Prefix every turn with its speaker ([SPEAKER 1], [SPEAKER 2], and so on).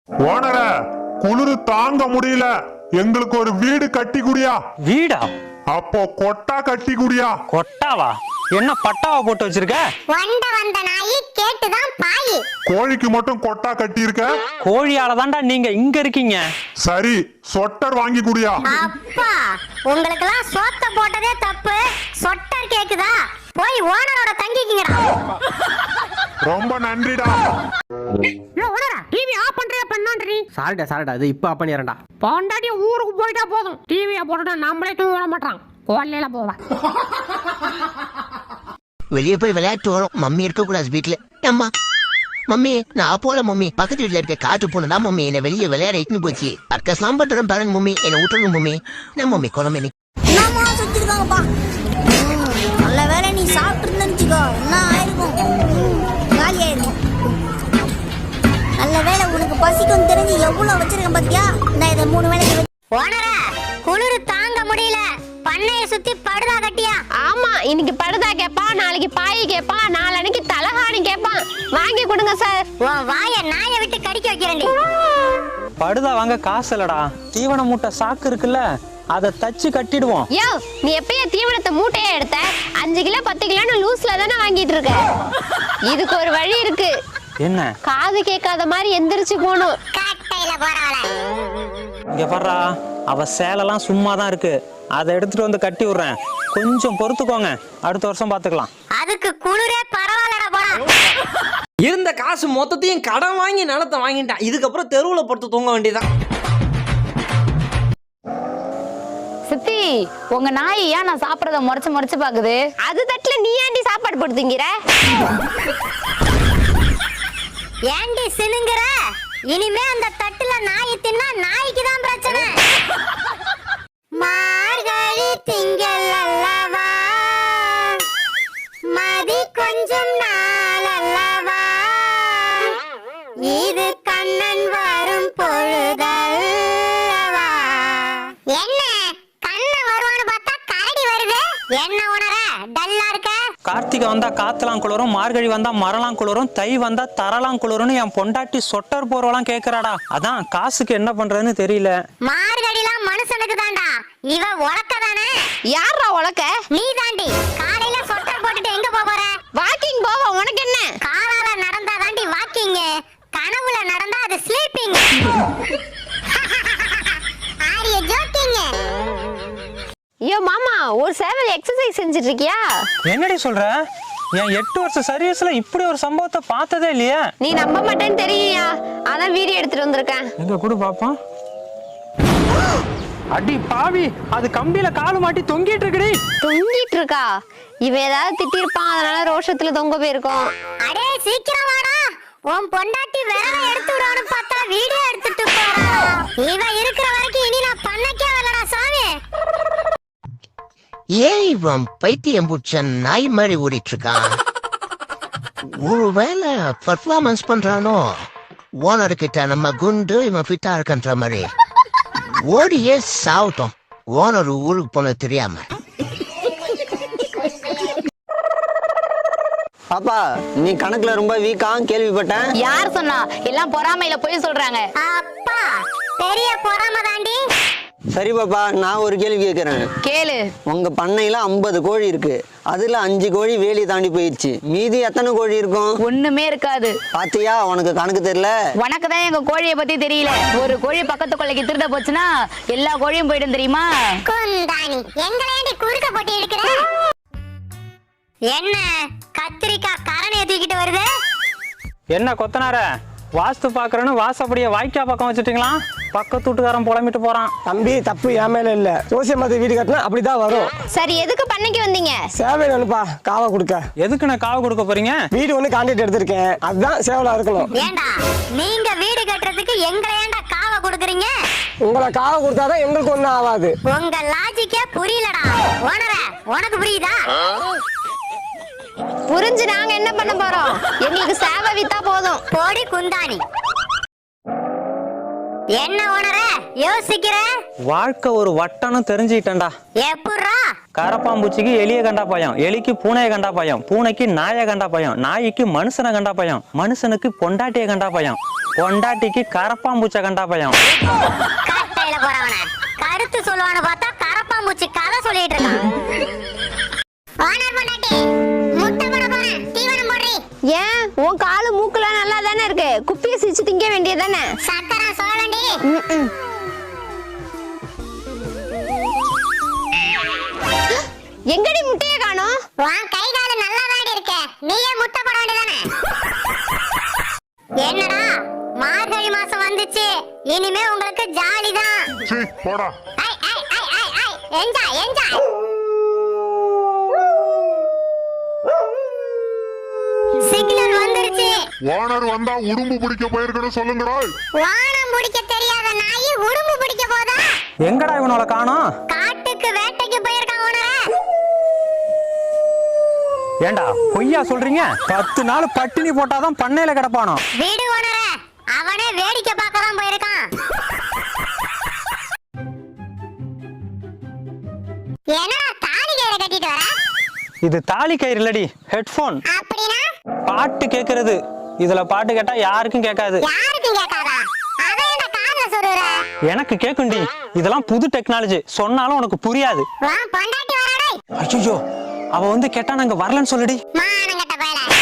[SPEAKER 1] ஓனர குளிரு தாங்க முடியல, எங்களுக்கு ஒரு வீடு கட்டி குடியா.
[SPEAKER 2] வீடா?
[SPEAKER 1] அப்போ கொட்டா கட்டி குடியா.
[SPEAKER 2] கொட்டாவா? என்ன பட்டாவா போட்டு வச்சிருக்க?
[SPEAKER 3] வந்த நாயி கேட்டுதான் பாயி.
[SPEAKER 1] கோழிக்கு மட்டும் கொட்டா கட்டி இருக்க.
[SPEAKER 2] கோழியால தான்டா நீங்க இங்க இருக்கீங்க.
[SPEAKER 1] சரி, சொட்டர் வாங்கி குடியா.
[SPEAKER 3] அப்பா, உங்களுக்கெல்லாம் சோத்த போட்டதே தப்பு, சொட்டர் கேக்குதா? போய் ஓனரோட தங்கிக்கிங்கடா.
[SPEAKER 1] ரொம்ப நன்றிடா.
[SPEAKER 4] டிவி ஆஃப் பண்றியா பண்ணான்றி?
[SPEAKER 5] சாரிடா இது இப்ப ஆஃப் பண்ணிறேன்டா.
[SPEAKER 4] பொண்டாட்டி ஊருக்கு போயிட்டா போதும், டிவியை போட்டுட்டா நம்மளே தூங்க விட மாட்டான். கோலையில போவேன்.
[SPEAKER 6] வெளியே போய் விளையாட்டு வரும். மம்மி இருக்க கூடாது வீட்டுல. அம்மா மம்மி நான் போல மம்மி, பக்கத்து வீட்டுல இருக்க காட்டு போனதான் மம்மி என்ன வெளியே விளையாட இட்டுன்னு போச்சு. அக்கஸ்லாம் பண்றேன் பாருங்க மம்மி, என்ன விட்டுருங்க மம்மி. என்ன மம்மி குழம்பு
[SPEAKER 3] என்னமா சுத்திருக்காங்கப்பா. நல்ல வேலை நீ சாப்பிட்டு நினைச்சுக்கோ, என்ன ஆயிருக்கும், காலி ஆயிருக்கும். நல்ல வேலை உனக்கு பசிக்கும் தெரிஞ்சு எவ்வளவு வச்சிருக்கேன் பாத்தியா. நான் இதை 3 வேளைக்கு ஓனர குளிரு தாங்க முடியல, பண்ணைய சுத்தி படுதா கட்டியா.
[SPEAKER 7] ஆமா, இன்னைக்கு படுதா கேப்பான், நாளைக்கு பாய் கேப்பான், நாளைக்கு தலகாணி கேப்பான். வாங்கி கொடுங்க சார்.
[SPEAKER 3] உன் வாய நாயை விட்டு கடிக்க வைக்கிறேன்டி.
[SPEAKER 2] படுதா வாங்க காசு இல்லடா. தீவன மூட்டை சாக்கு இருக்குல்ல, அதை தச்சு கட்டிடுவோம்.
[SPEAKER 7] யோ, நீ எப்பயே தீவனத்தை மூட்டையே எடுத்த? 5 கிலோ 10 கிலோன்னு லூஸ்ல தானே வாங்கிட்டு இருக்க. இதுக்கு ஒரு வழி இருக்கு.
[SPEAKER 2] என்ன?
[SPEAKER 7] காது கேட்காத மாதிரி எந்திரிச்சு போகணும்.
[SPEAKER 3] காட்டையில போறவள
[SPEAKER 2] இங்க பாடுறா, அவ சேலெல்லாம் சும்மா தான் இருக்கு, அதை எடுத்துட்டு வந்து கட்டி விடுறேன். கொஞ்சம் பொறுத்துக்கோங்க, அடுத்த வருஷம் பாத்துக்கலாம்.
[SPEAKER 3] அதுக்கு குளிரே பரவாயில்லடா போடா.
[SPEAKER 5] இருந்த காசு மொத்தத்தையும் கடன் வாங்கி நிலத்தை வாங்கிட்டான். இதுக்கப்புறம் தெருவுல படுத்து தூங்க வேண்டியதான்.
[SPEAKER 8] சித்தி, உங்க நாய் ஏன் நான் சாப்பிடறத முறைச்சு பாக்குது?
[SPEAKER 7] அது தட்டுல நீ ஏண்டி சாப்பாடு போடுத்தீங்கிற?
[SPEAKER 3] ஏண்டி சினுங்குற? இனிமே அந்த தட்டுல நாய் தின்னா நாய்க்கு தான் பிரச்சனை. மார்கழி திங்கள் அல்லவா, மதி கொஞ்சம் நாள் அல்லவா, இது கண்ணன் வரும் பொழுதல்லவா. என்ன கண்ணன் வருவான்னு பார்த்தா கரடி வருது. என்ன உணர டல்லா இருக்க?
[SPEAKER 2] கார்த்திகை வந்தா காத்தலாம் குளிரும், மார்கழி வந்தா மரலாம் குளிரும், தை வந்தா தரலாம் குளிரும்னு என் பொண்டாட்டி சொட்டர் போறவெல்லாம் கேக்குறாடா. அதான் காசுக்கு என்ன பண்றதுன்னு தெரியல.
[SPEAKER 3] மார்கழிலாம் மனுஷனுக்கு தான்டா, இவ உலக்க தானே.
[SPEAKER 7] யாரா உலக்க?
[SPEAKER 3] நீ தாண்டி. காலையில சொட்டர் போட்டுட்டு எங்க போற?
[SPEAKER 7] வாக்கிங் போவ. உனக்கு என்ன?
[SPEAKER 3] காலால நடந்தா தாண்டி வாக்கிங், கனவுல நடந்தா அது ஸ்லீப்பிங். Are you jogging?
[SPEAKER 7] ஐயோ மாமா, ஒரு சேவல் எக்ஸசைஸ் செஞ்சுட்டு இருக்கியா?
[SPEAKER 2] என்னடி சொல்ற? என் 8 வருஷ சர்வீஸ்ல இப்படி ஒரு சம்பவத்தை பார்த்ததே இல்லையா?
[SPEAKER 7] நீ நம்ப மாட்டேன்னு தெரியுயா, அதான் வீடியோ எடுத்துட்டு வந்திருக்கேன்.
[SPEAKER 2] எங்க கூட பாப்போம். அடி பாவி, அது கம்பியில காலு மாட்டி தொங்கிட்டு இருக்குடி.
[SPEAKER 7] தொங்கிட்டு இருக்கா? இவன் ஏதாவது திட்டிருப்பான், அதனால ரோஷத்துல தொங்க போயிருக்கோம்.
[SPEAKER 3] அடே சீக்கிரம் வாடா, உன் பொண்டாட்டி விரல எடுத்து விடான்னு பார்த்தா வீடியோ எடுத்துட்டு போறா. இவ இருக்கிற வரைக்கும் இனி நான் பண்ணக்கே வரலடா சாமி.
[SPEAKER 6] ஏன் இவன் பைத்தியம் பிடிச்ச நாய் மாதிரி ஓடிட்டு இருக்கான்? ஒருவேளை பர்ஃபார்மன்ஸ் பண்றானோ? ஓனர் கிட்ட நம்ம குண்டு இவன் ஃபிட்டா இருக்கன்ற மாதிரி ஓடியே சாவட்டும், ஓனர் ஊருக்கு போன தெரியாம.
[SPEAKER 5] பாப்பா, நீ கணக்குல ரொம்ப வீக்கா கேள்விப்பட்டேன்.
[SPEAKER 8] யார் சொன்னா? எல்லாம் பொறாமையில போய் சொல்றாங்க.
[SPEAKER 3] அப்பா, பெரிய பொறாம தாண்டி.
[SPEAKER 5] சரி பாப்பா, நான் ஒரு கேள்வி கேட்கறேன்.
[SPEAKER 8] கேளு.
[SPEAKER 5] உங்க பண்ணையில 50 கோழி இருக்கு, அதுல 5 கோழி வேலி தாண்டி போயிடுச்சு. மீதி எத்தனை கோழி இருக்கும்?
[SPEAKER 8] ஒண்ணுமே இருக்காது.
[SPEAKER 5] பாத்தியா, உனக்கு கணக்கு தெரியல.
[SPEAKER 8] உனக்குதான் எங்க கோழியை பத்தி தெரியல. ஒரு கோழி பக்கத்து கொள்ளைக்கு திருட போச்சுன்னா எல்லா கோழியும் போயிடும் தெரியுமா?
[SPEAKER 3] குந்தாணி, எங்களேண்டி குறுக்க போட்டு எடுக்கிற? என்ன கத்திரிக்காய் கரணைய தூக்கிட்டு வருது?
[SPEAKER 2] என்ன கொத்தனார, வாஸ்து பாக்குறேன்னு வாசப்படிய வாய்க்கா பக்கம் வச்சுட்டீங்களா? பக்கத்து வீட்டுக்காரன் புலம்பிட்டு போறான்.
[SPEAKER 9] தம்பி, தப்பு என் மேல இல்ல. ஜோசியம் பார்த்து வீடு கட்டினா அப்படிதான் வரும்.
[SPEAKER 7] சரி, எதுக்கு பண்ணைக்கு வந்தீங்க?
[SPEAKER 9] சேவை வேணுப்பா, காவா கொடுக்க.
[SPEAKER 2] எதுக்கு நான் காவு கொடுக்க போறீங்க?
[SPEAKER 9] வீடு ஒண்ணு கான்ட்ராக்ட் எடுத்திருக்கேன், அதுதான் சேவலா இருக்கணும்.
[SPEAKER 3] ஏண்டா நீங்க வீடு கட்டுறதுக்கு எங்களை ஏண்டா காவ கொடுக்குறீங்க?
[SPEAKER 9] உங்களை காவா கொடுத்தாதான் எங்களுக்கு ஒண்ணும் ஆகாது.
[SPEAKER 3] உங்க லாஜிக்கே புரியலடா. ஓனர, உனக்கு புரியுதா?
[SPEAKER 7] புரிஞ்சு நாங்க என்ன பண்ண போறோம்? எங்களுக்கு சேவை வித்தா போதும்.
[SPEAKER 3] போடி குந்தாணி. என்ன ஓனர யோசிக்கிற?
[SPEAKER 2] வாழ்க்கை ஒரு வட்டம்னு தெரிஞ்சுக்கிட்டேன்டா.
[SPEAKER 3] எப்புறா?
[SPEAKER 2] கரப்பாம்பூச்சிக்கு எலிய கண்டா பயம், எலிக்கு பூனைய கண்டா பயம், பூனைக்கு நாயை கண்டா பயம், நாய்க்கு மனுஷனை கண்டா பயம், மனுஷனுக்கு பொண்டாட்டிய கண்டா பயம், பொண்டாட்டிக்கு கரப்பாம்பூச்சை கண்டா பயம்.
[SPEAKER 3] கட்டையில போறவன கருத்து சொல்லுவான்னு பார்த்தா கரப்பாம்பூச்சி கதை சொல்லிட்டு இருக்கான். ஓனர் பொண்டாட்டி முட்டை போட போறேன், தீவனம் போடுறீ.
[SPEAKER 7] ஏன் உன் காலு மூக்குலாம் நல்லா தானே இருக்கு, குப்பியை சிரிச்சு திங்க வேண்டியதானே.
[SPEAKER 3] சக்கரை சோழண்டி.
[SPEAKER 7] எங்கடி முட்டைய காணோம்?
[SPEAKER 3] உன் கை கால நல்லா தாடி இருக்க, நீயே முட்டை போட வேண்டியதானே. என்னடா மார்கழி மாசம் வந்துச்சு, இனிமே உங்களுக்கு ஜாலி தான்.
[SPEAKER 1] சீ போடா.
[SPEAKER 3] Enjoy enjoy. சிக்னல் வந்துருச்சு.
[SPEAKER 1] ஓனர் வந்தா உடும்பு பிடிக்க போயிருக்கணும் சொல்லுங்கடா.
[SPEAKER 3] வானம் பிடிக்க தெரியாத நாய் உடும்பு பிடிக்க போதா?
[SPEAKER 2] எங்கடா இவனோட காணோம்?
[SPEAKER 3] காட்டுக்கு வேட்டைக்கு போயிருக்கான் ஓனரே.
[SPEAKER 2] ஏண்டா பொய்யா சொல்றீங்க? 10 நாள் பட்டினி போட்டாதான் பண்ணையில கிடப்பானோ.
[SPEAKER 3] வீடு ஓனரே, அவனே வேடிக்கை பார்க்க தான் போயிருக்கான். என்னடா தாலி கயிறை கட்டிட்டு வர?
[SPEAKER 2] இது தாலி கயிறு இல்லடி, ஹெட்போன்.
[SPEAKER 3] அப்படினா
[SPEAKER 2] பாட்டு கேக்குறது. இதுல பாட்டு கேட்டா யாருக்கும் கேட்காது.
[SPEAKER 3] யாருக்கும் கேட்காதா? அதை என்ன காதுல சொல்லுற?
[SPEAKER 2] எனக்கு கேக்குண்டி. இதெல்லாம் புது டெக்னாலஜி, சொன்னாலும் உனக்கு புரியாது.
[SPEAKER 3] வா பொண்டாட்டி வரடே.
[SPEAKER 2] ஐயோ, அவ வந்து கேட்டா நாங்க வரலன்னு சொல்லுடி.
[SPEAKER 3] மானங்கட்ட பயல.